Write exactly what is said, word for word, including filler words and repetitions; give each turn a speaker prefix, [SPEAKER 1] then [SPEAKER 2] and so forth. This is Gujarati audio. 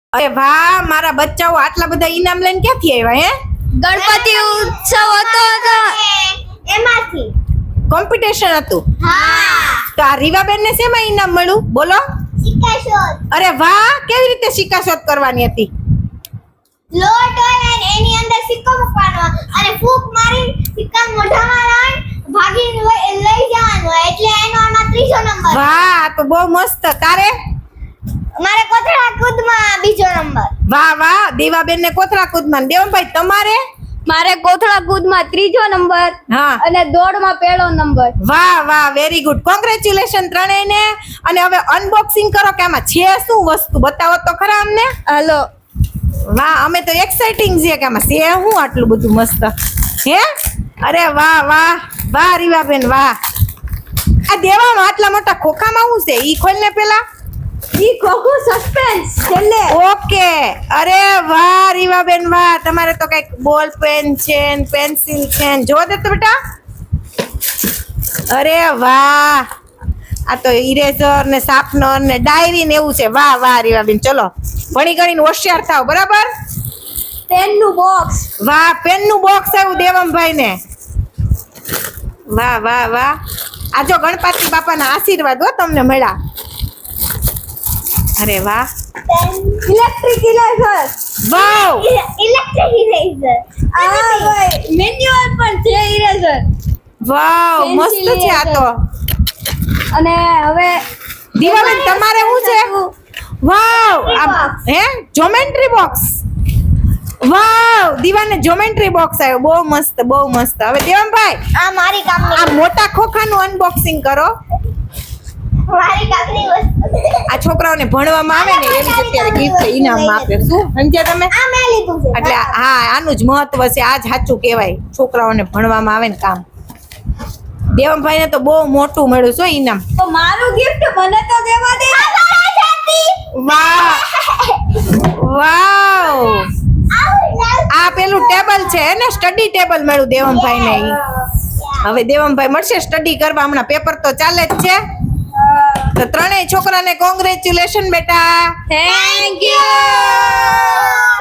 [SPEAKER 1] અરે વાહ, મારા બચ્ચાઓ આટલા બધા ઇનામ લઈને ક્યાંથી આવ્યા? હે,
[SPEAKER 2] ગણપતિ ઉત્સવ હતો તો
[SPEAKER 3] એમાંથી
[SPEAKER 1] કોમ્પિટિશન હતું.
[SPEAKER 3] હા
[SPEAKER 1] તો આ રીવાબેન ને શેમાં ઇનામ મળ્યું બોલો?
[SPEAKER 3] સિક્કાશોધ.
[SPEAKER 1] અરે વાહ, કેવી રીતે સિક્કાશોધ કરવાની હતી?
[SPEAKER 3] લોટ હોય અને એની અંદર સિક્કો મૂકવાનો અને ફૂંક મારી સિક્કા મોઢામાં લાવીને ભાગીને લઈ લઈ જવાનો હોય. એટલે એનો આમાં ત્રીજો નંબર.
[SPEAKER 1] વાહ, આ તો બહુ મસ્ત. તારે?
[SPEAKER 3] મારે કોથળા કૂદમાં બીજો નંબર.
[SPEAKER 1] વાહ વાહ, દેવાબેન ને કોથળા કૂદમાં. દેવમભાઈ તમારે?
[SPEAKER 2] મારે કોથળા કૂદમાં ત્રીજો નંબર
[SPEAKER 1] હા.
[SPEAKER 2] અને દોડમાં પહેલો નંબર.
[SPEAKER 1] વાહ વાહ, વેરી ગુડ. કોંગ્રેચ્યુલેશન ત્રણેયને. અને હવે અનબોક્સિંગ કરો કે આમાં છે શું વસ્તુ, બતાવો તો ખરા અમને.
[SPEAKER 2] હાલો.
[SPEAKER 1] વાહ, અમે તો એક્સાઇટિંગ છે કે આમાં છે શું આટલું બધું મસ્ત. હે, અરે વાહ વાહ વાહ રીવાબેન વાહ. આ દેવામાં આટલા મોટા ખોખામાં શું છે ઈ ખોલ ને પેલા.
[SPEAKER 2] ઈ ખોખું સસ્પેન્સ છેલ્લે.
[SPEAKER 1] ઓકે, અરે વાહ રીવાબેન વાહ, તમારે તો કઈક બોલ પેન છે ને પેન્સિલ છે ને, જો દે તો બેટા. અરે વાહ, આ તો ઇરેઝર ને શાર્પનર ને ડાયરી ને એવું છે. વાહ વાહ રીવાબેન, ચલો ભણી ગણીને હોશિયાર થાવ, બરાબર.
[SPEAKER 2] પેનનું બોક્સ.
[SPEAKER 1] વાહ, પેન નું બોક્સ આવ્યું દેવમભાઈ ને. વાહ વાહ વાહ, આ જો ગણપતિ બાપાના આશીર્વાદ હો તમને મળ્યા. અરે વાહ,
[SPEAKER 2] electric eraser.
[SPEAKER 1] Wow
[SPEAKER 3] electric eraser.
[SPEAKER 2] આ ભાઈ મેન્યુઅલ પણ છે ઇરેઝર.
[SPEAKER 1] વાવ,
[SPEAKER 2] Pencil
[SPEAKER 1] મસ્ત છે આ તો.
[SPEAKER 2] અને હવે
[SPEAKER 1] દીવાબેન તમારે શું છે? વાવ, આ હે જોમેન્ટ્રી બોક્સ. વાવ, દીવાને જોમેન્ટ્રી બોક્સ આવ્યો. બહુ મસ્ત, બહુ મસ્ત. હવે દેવમભાઈ
[SPEAKER 3] આ મારી કામની
[SPEAKER 1] આ મોટા ખોખાનું અનબોક્સિંગ કરો.
[SPEAKER 3] મારી કામની વસ્તુ.
[SPEAKER 1] આ છોકરાઓને ભણવામાં આવે ને એવી જ અત્યારે ગિફ્ટ ઇનામ આપે. શું સમજ્યા તમે?
[SPEAKER 3] આ મેં લીધું છે.
[SPEAKER 1] એટલે હા, આનું જ મહત્વ છે. આ જ સાચું કહેવાય, છોકરાઓને ભણવામાં આવે ને કામ. દેવમભાઈ ને તો બહુ મોટું મળ્યું છે ઇનામ.
[SPEAKER 2] તો મારું ગિફ્ટ મને તો દેવા દે.
[SPEAKER 1] વાહ વાવ, આ પેલું ટેબલ છે ને, સ્ટડી ટેબલ મળ્યું દેવમભાઈ ને. ઈ હવે દેવમભાઈ મળશે સ્ટડી કરવા, હમણાં પેપર તો ચાલે જ છે. તો ત્રણેય છોકરાને કોંગ્રેચ્યુલેશન બેટા.
[SPEAKER 2] Thank you.